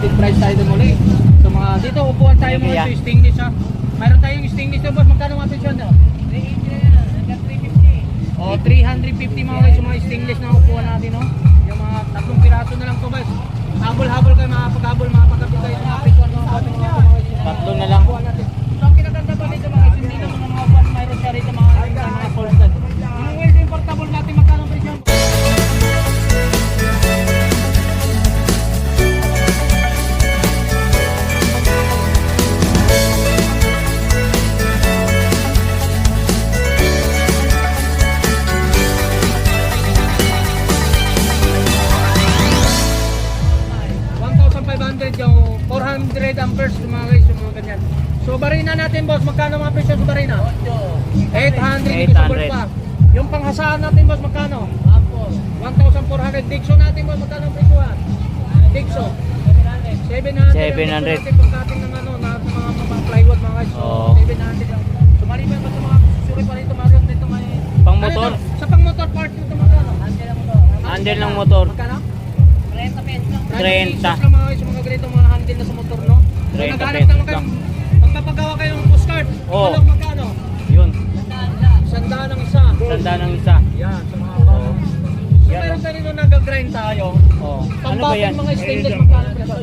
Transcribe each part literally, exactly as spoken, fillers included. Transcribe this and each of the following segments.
discounted price tayo din muli. So mga dito upuan tayo mga Yeah. so stainless ha. Mayroon tayong stainless na boss. Magkano mga presyo nito? O three fifty mga guys yung mga stainless na upuan natin no. Yung mga tatlong piraso na lang to guys. Habol-habol kayo makapag-habol, makapag-habol kayo sa mga presyo ng ating mga Tatlo na lang. upuan natin. So ang kinaganda pa dito mga guys, hindi naman mga upuan mayroon siya rito mga mga portal. Yung well importable natin magkano ang presyo? Yung four hundred amperes yung mga guys, yung mga ganyan. So barina natin boss, magkano mga presyo sa barina? eight hundred, eight hundred. pa. Yung panghasaan natin boss, magkano? one thousand four hundred. Dixo natin boss, magkano ang presyohan? Dixo seven hundred. seven hundred. Pagkating ng ano, na mga, mga plywood mga guys. So, Oo. seven hundred lang. So maliban pa sa mga suri pa rito, Mario, dito may... Pang motor? Ano ito? Sa pang motor part nito magkano? Handle ng motor. Magkano? thirty. thirty lang mga guys, yung mga ganito mga handle na sa motor, no? So, thirty naghanap pesos naman kayo, lang. magpapagawa kayo ng postcard. Oo. Walang magkano? Yun. Sandaan ng isa. Tanda ng isa. Yan, sa mga bata. So, Yan, meron oh. tayo nung nag-grind tayo. Oh. Ano ba Pambating yan? mga stainless magkano presyo?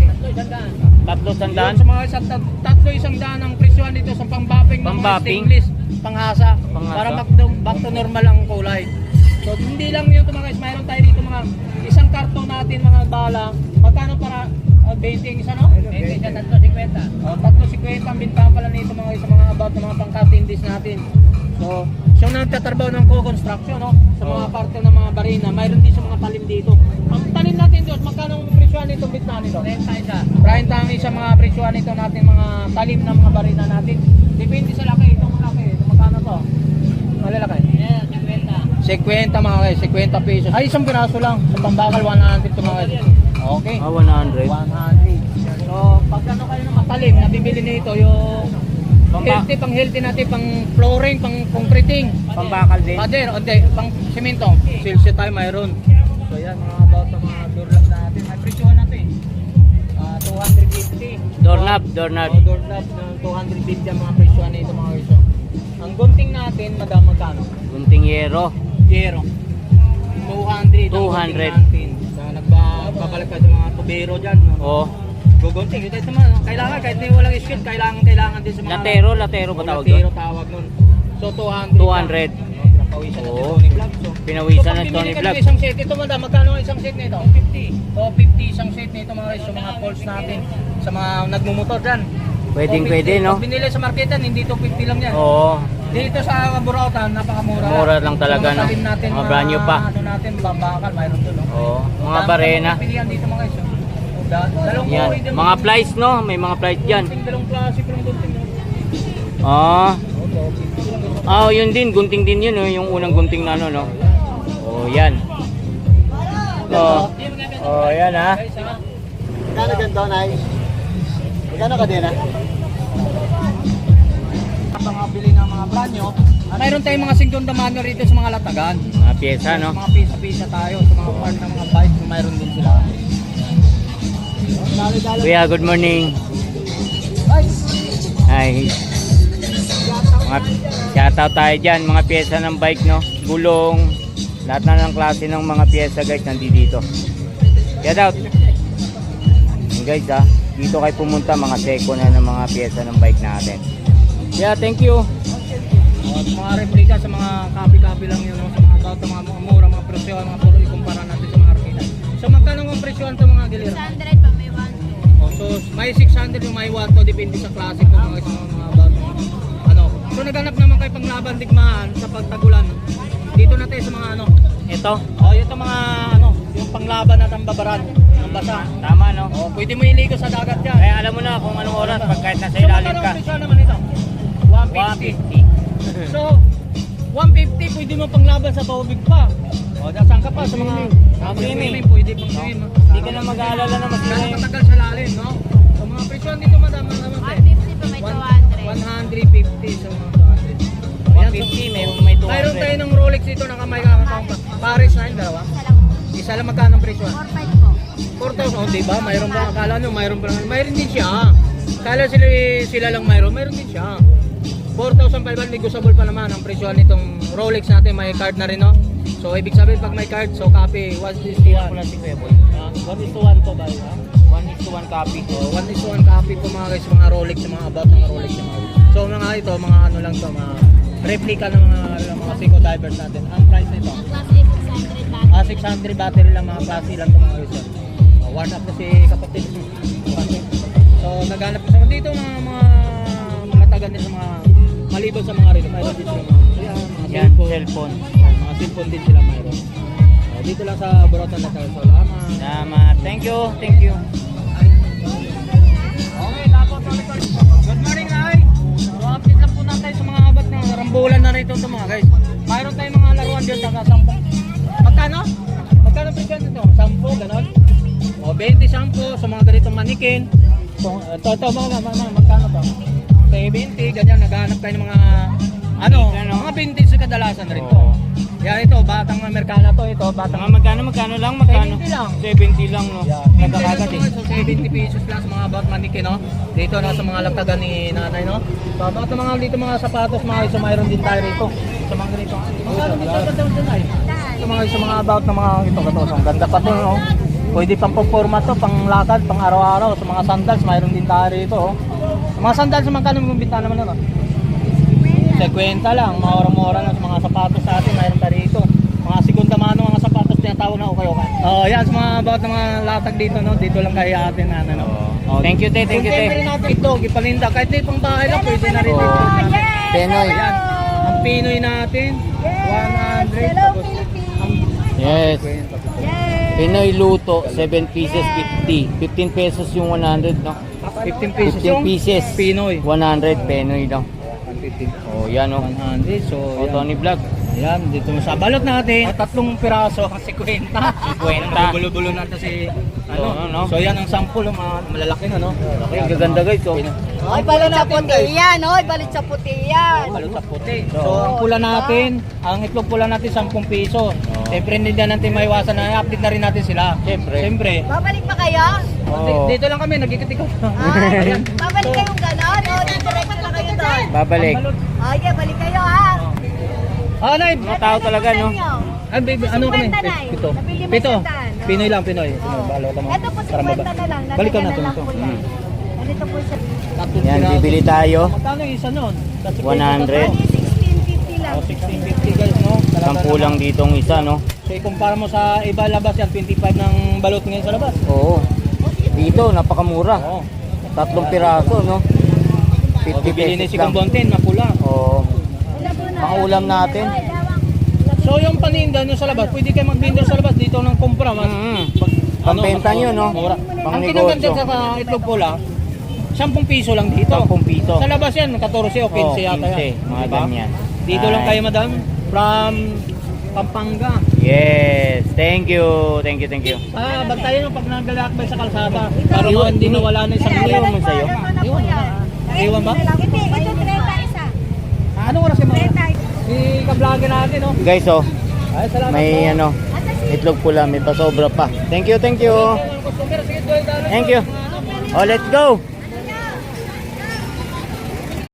Tatlo Yun, sandaan? sa mga isang tat- tatlo isang daan ang presyohan dito sa pambaping ng mga Pambaping? stainless, panghasa, Panghasa? para back to, back to normal ang kulay. So hindi lang yun mga guys, mayroon tayo dito mga isang karton natin mga bala. Magkano para uh, twenty ang isa no? twenty sa tatlo fifty. Oh, tatlo fifty ang bintahan pala nito mga guys sa mga about ng mga pangkatindis natin. So, siya nagtatrabaho ng co-construction no? Sa mga parte ng mga barina, mayroon din sa mga talim dito. Ang talim natin doon, magkano ang presyohan nito bitna nito? thirty isa. thirty ang isa mga presyohan nito natin mga talim ng mga barina natin. Depende sa laki, itong laki, ito magkano to? Malalaki. Yeah, fifty mga guys, fifty pesos. Ay, isang piraso lang. Sa pambakal, one hundred to mga guys. Okay. Ah, one hundred. one hundred. So, pag ano kayo ng matalim, nabibili nito yung Pamba- healthy, pang healthy natin, pang flooring, pang concreting. Pambakal din. Pader, hindi, pang simento. Silsyo tayo mayroon. So, yan, mga about sa mga doorknob natin. May presyohan natin. Ah, two fifty. Doorknob, doorknob. Oh, doorknob ng two fifty ang mga presyohan nito mga guys. So, ang gunting natin, madam, magkano? Gunting yero. Zero. two hundred. two hundred. So, nagbabalik ka sa mga tubero dyan. No? Oh. Gugunting. Ito naman, no? Kailangan, kahit hindi walang skill, kailangan, kailangan din sa mga... Latero, latero ba Oh, tawag latero doon? tawag nun. So, two hundred. two hundred. No, pinapawisan natin Oo. Tony Vlog. So, Pinawisan so, ng pag Tony bibili ka Vlog. ng isang set, ito madam, magkano ang isang set nito? fifty. So, fifty isang set nito mga guys, sa mga poles natin, sa mga nagmumotor dyan. Pwedeng So, pwede, fifty. no? Pag binili sa marketan, hindi to fifty lang yan. Oo. Dito sa Burautan, napakamura. Mura lang talaga, Mga no? talim natin, Mga brand new pa. Ano natin, bambakal, mayroon doon, no? Oo. Mga Dami barena. mga pilihan dito mga guys. oh. Da- Dalawang Yan. uri din. Mga plies, no? May mga plies dyan. Gunting, dalawang klase pero gunting. no? Ah. Opo, fifty lang ito. Ah, yun din. Gunting din yun, no? Yung unang gunting na ano, no? Oh, yan. Oh. Oh, yan, ha? Guys, ha? Magkano ganito, Nay? Magkano ka din, ha? Mga bili ng mga brand nyo. Mayroon tayong mga segunda mano rito sa mga latagan. Mga pyesa, no? Mga pisa-pisa tayo sa mga part ng mga bike. Mayroon din sila. Dali-dali. Kuya, good morning. Ay! Hi. Mga shoutout tayo dyan. Mga pyesa ng bike, no? Gulong. Lahat na ng klase ng mga pyesa, guys, nandito dito. Shoutout. Yan, guys, ha? Dito kayo pumunta, mga seko na ng mga pyesa ng bike natin. Yeah, thank you. Oh, mga replika sa mga copy-copy lang yun, no? Sa mga about, mga mga mura, mga presyo, mga puro ikumpara natin sa mga arkita. So magkano ang presyohan sa mga gilira? six hundred pa may one Oh, so may six hundred yung may one to, depende sa klase ko mga mga, mga about. Ano? So naghanap naman kayo panglaban digmaan sa pagtagulan. Dito na tayo sa mga ano. Ito. Oh, ito mga ano, yung panglaban at ang babaran ng basa. Tama, no? Oh, pwede mo iligo sa dagat yan. Kaya alam mo na kung anong oras pag kahit nasa So ilalim magkano ka. ang presyo naman ito? one one fifty. fifty. So, one fifty pwede mo panglaban sa paubig pa. O, saan ka pa? Sa mga Ah, swimming, swimming. pwede pang swim. Hindi ka na mag-aalala na Mas mag-swimming. matagal sa lalim, no? So, mga presyo dito madam, naman one fifty pa may two hundred. one fifty sa mga two hundred. one fifty, may, may two Mayroon tayo hundred. ng Rolex dito na kamay kakakang pa. Paris na yun, dalawa. Isa lang po. Isa lang magkano ang presyo? four five po. four thousand, oh, diba? Mayroon ba? Akala nyo, mayroon ba? Mayroon din siya. Kala sila, sila lang mayroon, mayroon din siya. four thousand five hundred, negotiable pa naman ang presyo nitong Rolex natin, may card na rin, no? So, ibig sabihin, pag may card, so copy, one is to one. Wala si Kuya Boy. Ah, one is to one to ba? Ha? one is to one copy. So, one is to one copy po mga guys, mga Rolex, mga about ng Rolex. Mga. So, mga ito, mga ano lang to, mga replica ng mga, ng mga Seiko divers natin. Ang price nito, Ang class A six hundred baht. ah, six hundred battery lang, mga klase lang to mga guys. Uh, one up na si kapatid. So, naghanap ko sa dito mga mga mga taga din sa mga maliban sa mga relo. Mayroon din sila mga, yan, mga Yan, cellphone. cellphone. Yan, mga cellphone din sila mayroon. Uh, dito lang sa Buratan na tayo. Salamat. Salamat. Thank you, thank you. Okay, tapos ulit ulit. Good morning, ay. So, update lang po natin sa mga abat ng rambulan na rito ito mga guys. Mayroon tayong mga laruan dyan taga sampung. Magkano? Magkano presyo nito? Sampo, ganon? O, twenty sampo sa mga ganitong manikin. So, ito, ito, mga, mga, mga, magkano to? seventy, ganyan, naghahanap kayo ng mga, ano, Ano? mga vintage sa kadalasan rito. Oo. Yan, ito, batang Amerikana to, ito, batang Mga magkano, magkano lang, magkano? seventy lang. seventy lang, no? Yeah. Nagkakagat eh. So, seventy pesos lang sa mga about manikin, no? Dito na sa mga lagtagan ni nanay, no? So, about sa mga dito mga sapatos, mga iso, mayroon din tayo rito. Sa mga ganito. Magkano magkano daw dyan ay? Sa mga sa mga about na mga ito, katos. Ang ganda pa to, no? Pwede pang performa to, pang lakad, pang araw-araw. Sa mga sandals, mayroon din tayo rito, oh. Sa mga sandals, magkano yung binta naman, no? fifty lang, mura-mura na sa mga sapatos sa atin, mayroon tayo rito. Mga segunda mano, mga sapatos tinatawag na okay okay. Oh, yan sa mga about ng mga latag dito, no. Dito lang kay atin na ano. Oh, thank you, te, thank you, Kung te. rin natin ito, ipalinda kahit di pang bahay lang pwede na rin dito. Penoy. Ayan, ang Pinoy natin, one hundred. Tapos, ang Yes. kwenta. Pinoy luto, seven pieces, fifty. fifteen pesos yung one hundred, no? fifteen pesos fifteen yung pieces. Pinoy. one hundred, Penoy lang. fifteen. Oh, yan, oh. one hundred. So, Oh, yan. Tony Vlog. Yan, dito sa balot natin, tatlong piraso kasi kwenta. Kwenta. Bulo-bulo natin si ano. Oo, no? So yan ang sample, mga malalaki na, no? Ay, ang gaganda, guys, oh. Oy, balit sa puti yan, oy, balit sa puti yan. Balot sa puti. So, ang pula natin, ang itlog pula natin ten piso. Siyempre hindi na natin maiwasan na i-update na rin natin sila. Siyempre. Siyempre. Babalik pa kayo? Oo. Dito lang kami, nagkikit-ikot. Ah, Ayan. babalik So, kayong ganon? O, diretso na kayo doon? Babalik. ang balot. Oy, yeah, balik kayo ha. Ah, Nay. Mga tao talaga, no? Ah, baby, ano kami? Cinquenta, Nay. Pito. Nabili mo Pito. sandaan, no? Pinoy lang, Pinoy. Pinoy. Balo ka mo. Ito po Para cinquenta maba- na lang. Balikan Lalagyan natin na lang ito. po yan. Ganito po siya. Tatlong Yan, piraso. bibili tayo. Magkano yung isa nun? Kasi one hundred. Ano, sixteen fifty lang. Oh, sixteen fifty guys, no? Talaga Sampu lang naman. ditong isa, no? So, ikumpara mo sa iba labas yan, twenty-five ng balot ngayon sa labas. Oo. Dito, napakamura. Oo. Tatlong piraso, no? O, fifty bibili ni si pesos lang. Kumbontin, mapula. Oo. Pangulam natin. So, yung paninda nyo sa labas, pwede kayo magbinda sa labas dito ng kumpra. Mas, Mm. pag- Pampenta nyo, no? Mura. Pang Ang kinaganda negosyo. sa sa itlog pula, ten piso lang dito. Sampung piso. Sa labas yan, fourteen o fifteen Oo, yata yan. fifteen, mga Diba? ganyan. Dito lang Ay. kayo, madam. From Pampanga. Yes. Thank you. Thank you, thank you. Ah, bantayan yung pag naglalakbay sa kalsada. Para mo hindi nawala na isang Iwan mo liyo. sa'yo. Iwan ba? Iwan ba? Hindi, ito trenta isa. Ah, anong oras yung mga? Si ka-vlogger natin, no? Guys, oh. Ay, salamat May po. ano, itlog pula, may pasobra pa. Thank you, thank you. Sige, Thank you. Oh, let's go.